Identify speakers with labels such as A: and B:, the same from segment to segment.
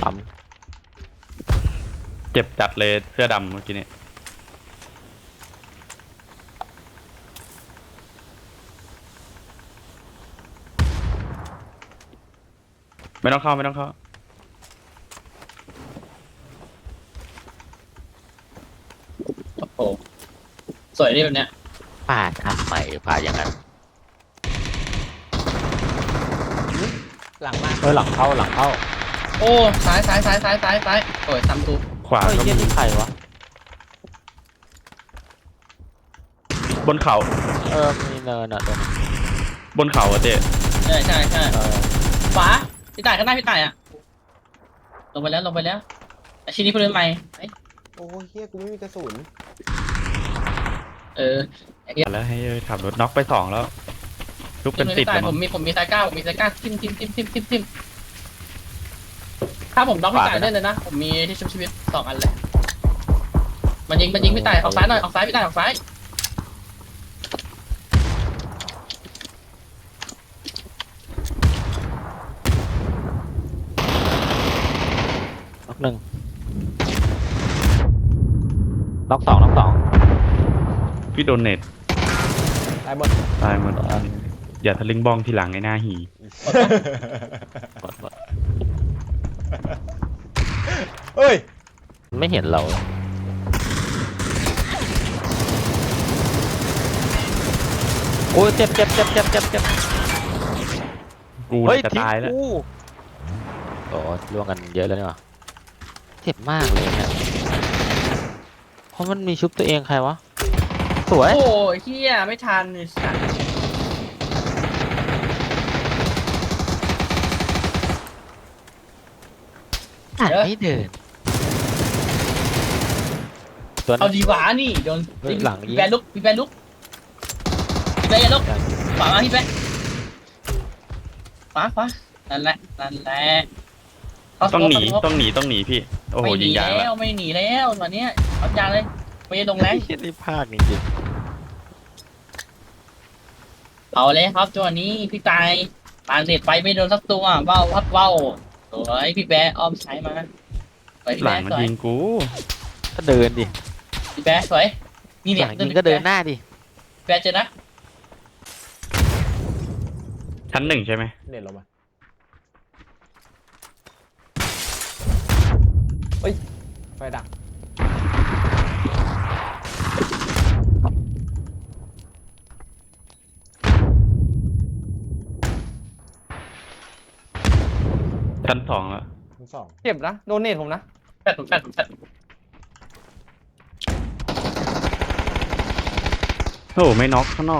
A: ปั๊ม
B: เจ็บจัดเลยเสื้อดำเมื่อกี้นี้ไม่ต้องเข้าไม่ต้องเข้า
C: โอ้โหสวยดีแบบเนี้ย
A: ปาดทำใหม่ปาดอย่างนั้น
D: หลังมา
A: หลังเข้า
C: โอ้ซ้ายโอ้ยซ้ำทุก
B: ขวา
A: เฮ้ย
B: ก็
A: เยี่ย
B: มี
A: นี่ใครวะ
B: บนเขา
A: มีเนินอ่ะตรงนี้
B: บนเขาอะเจ๊
C: ใช่
A: เออ
C: ขวาพี่ต่ายข้างหน้าพี่ต่ายอ่ะลงไปแล้วไอชิ้นนี้เพื่อนใหม่
D: โอ้เฮียกูไม่มีกระสุน
B: แล้วให้ขับรถน็อกไป2แล้วทุกเป็น10
C: พี่ต่าย
B: แล้ว
C: ผ
B: มั้
C: ม
B: ง
C: มีไซก้าทิมถ้าผมน็อกพี่ต่ายเล่นเลยนะผมมีที่ชุบชีวิต2 อันเลยมันยิงพี่ต่ายออกซ้ายหน่อยออกซ้ายพี่ต่ายออกซ้าย
A: น็อกหนึ่งน็อกสอง
B: พี่โดนเน็ต
D: ตายหมด
B: ตายหมดอย่าทะลึ่งบ้องทีหลังไอ้หน้าหี
A: หมด
D: เฮ้ย
A: ไม่เห็นเราโอ้ยเจ็บ
B: กู
A: เฮ้ย
B: จะตายแล้ว
A: โอ้ล่วงกันเยอะแล้วเนี่ยเจ็บมากเลยเนี่ยเพราะมันมีชุบตัวเองใครวะสวย
C: โอ้ยเฮียไม่ทันเลยสัตว์
A: ไม่เดินตัว
C: เอาดีหวานี่โดน
A: หลังยิง
C: พี่แบนลุกอย่าลุกขวามาพี่แบนขวานั่นแหละ
B: ต้องหนีพี่โอ้โห
C: ไม่ห
B: ยิ
C: นี
B: งยาง
C: แล้
B: แล้ว ว
C: ไม่หนีแล้วตอนเนี้ยเอายางเลยไม่ได้ลงแรง
A: เฮียนี่พลาดจริง
C: เอาเลยครับจังหวะนี้พี่ตายปานเด็ดไปไม่โดนสักตัวว่าวสวยพี่แบร์อ้อมซ้ายมาสวยพี่
B: ห
C: แบ
B: ลัง
C: ร์
B: มัน
C: สวย
B: ยิงกู
A: ๆก็เดินดิ
C: พี่แบร์สวยนี่
A: ห
C: เนี่ย
A: ลังยิงก็เดินหน้าดิ
C: พี่แบร์เจอนะ
B: ชั้น1ใช่ไหม
D: เน็ตลงมาไฟดัก
B: ชั้น2แล้ว
D: ทั้งสอง
E: เจ็บนะโดนเนตผมนะ
C: แฟด
B: โอ้โหไม่น็อกข้างนอก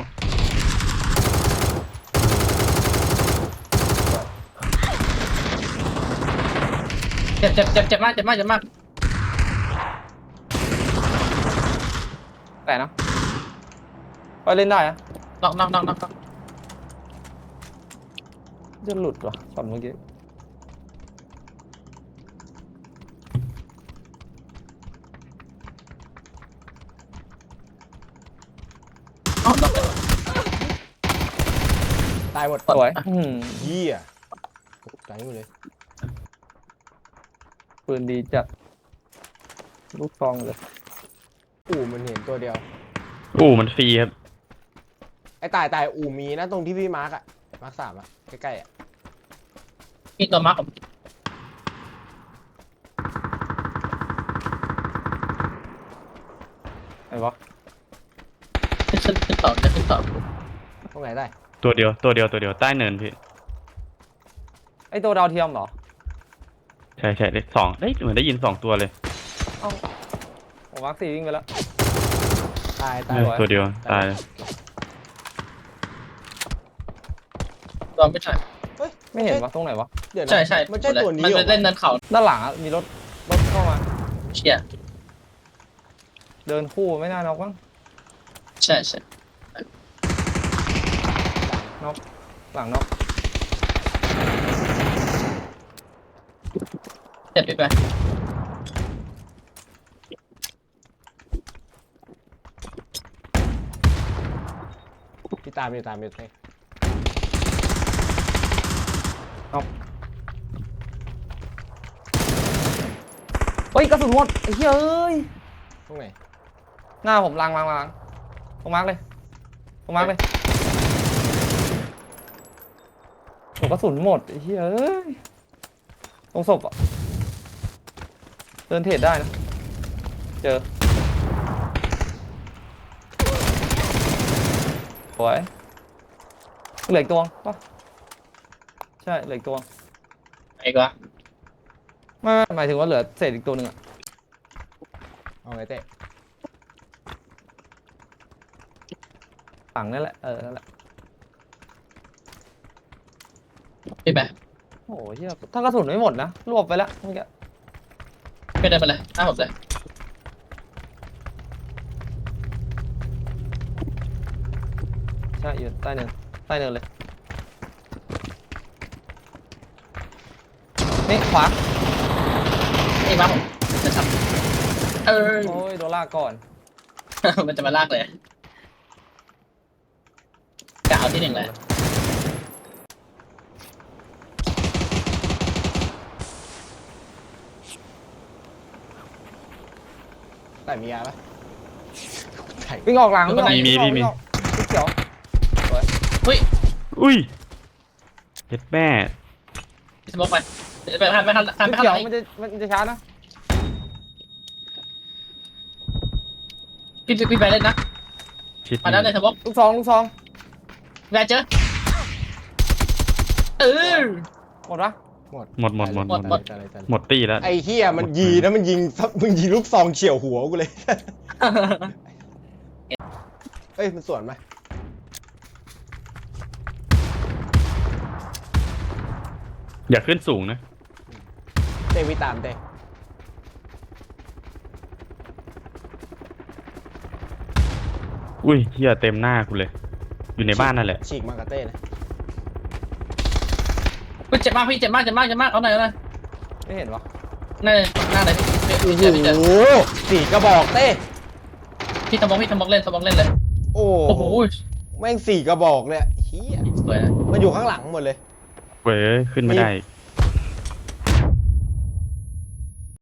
C: เจ็บมาก
E: แต่นะไปเล่นได้อะ
C: น็อก
E: จะหลุดวะช็อตเมื่อกี้
D: ตายหมด
E: สวย
D: เฮียตกใจหมดเลย
E: ปืนดีจัดลูกซองเลย
D: มันเห็นตัวเดียว
B: มันฟรีครับ
D: ไอ้ตายมีนะตรงที่พี่มาร์กอะมาร์ก3อะใกล้ๆอะ
C: มีตัวมาร์ก
E: ไอ้วะ
C: ขึ้นต่อ
D: ตรงไหนได้
B: ตัวเดียวใต้เนินพี่
E: ไอ้ตัวดาวเทียมเหรอ
B: ใช่เลข2เอ้ยเหมือนได้ยิน2 ตัวเลย
E: เอ้าผมมาร์ค4วิ่งไปแล้ว
D: ตาย
B: ตัวเดียวตายเลย
C: ตอนไม่ใช่
D: เฮ้ย
E: ไม่เห็นวะตรงไหนวะ
D: เดี๋ยวนะ
C: ใช่
D: มันใช่ตัวนี้
C: มัน
D: เหร
C: เป็นเล่น
D: อ
C: เนินเขา
E: ด้านหลังอะมีรถเข้ามา
C: เชี่ย
E: เดินคู่ไม่น่าน็อกมั้ง
C: ใช่
E: หลังน็อก
C: เจ็บไป
D: พี่ตามเลย
E: เฮ้ยกระสุนหมดไอ้เหี้ยเอ้ย
D: ตรงไหน
E: หน้าผมล้างตรงมาร์กเลยตรงมาร์กเลยโอ้กระสุนหมดไอ้เหี้ยเอ้ยตรงศพอ่ะเดินเทรดได้นะเจอสวยเหลืออีกตัวป่ะใช่เหลืออีกตัว
C: ไอ้กว่า
E: ไม่หมายถึงว่าเหลือเศษอีกตัวหนึ่งอะ
D: เอาไงเต้
E: ฝั่งนั่นแหละนั่นแหละ
C: พี่แบ๊ะ
E: โอ้ยเหี้ยถ้ากระสุนไม่หมดนะรวบไปแล้วเมื่อกี้
C: พี่เดินไปเลยหน้าผมเลย
E: ใช่อยู่ใต้เนินเลยนี่ขวา
C: ไอ้บ้าผมจะทำ
E: โอ้ยโดนลากก่อน
C: มันจะมาลากเลยกะเอาที่หนึ่งเลย
D: แต่มียาปะใช่
E: วิ่งออกหลังวิ่งออก
B: มี
E: วิ่งออกสีเขียว
B: อุ้ยเจ็ดแม่
C: สมมติไปไปทันไม่ทันทัน
E: สี
C: ไม่ทัน
E: เขียว
C: ไหน
E: มันจะช้านะ
C: พี่ไปเล่นนะ
B: ชิด
C: มาแล้วเลยสมมติ
E: ลูกซอง
C: แวร์เจอ
E: หมดปะ
B: หมด
D: ตาย
B: หมดตีแล้ว
D: ไอ้เหี้ยมันยีนะมันยิงลูกซองเฉี่ยวหัวกูเลย เอ้ยมันสวนไหม
B: อย่าขึ้นสูงนะ
D: เต้วิตามเต้
B: อุ้ยเฮียเต็มหน้ากูเลย อยู่ในบ้านนั่นแหละ
D: ฉีกมากับเต้นะ
C: เจ็บมากพี่เจ็บมากเอาหน่อย
E: ไม่เห็นวะ
C: หน้าเลย
D: โอ้
C: พี่เจอพี่เจอ
D: โหสี่กระบอกเต้
C: พี่สมมติเล่นเลย
D: โอ้
C: โอ้โห
D: แม่งสี่กระบอกเลยเฮีย
C: สวย
D: มันอยู่ข้างหลังหมดเลย
B: เว้ยขึ้นไม่ได้
D: มี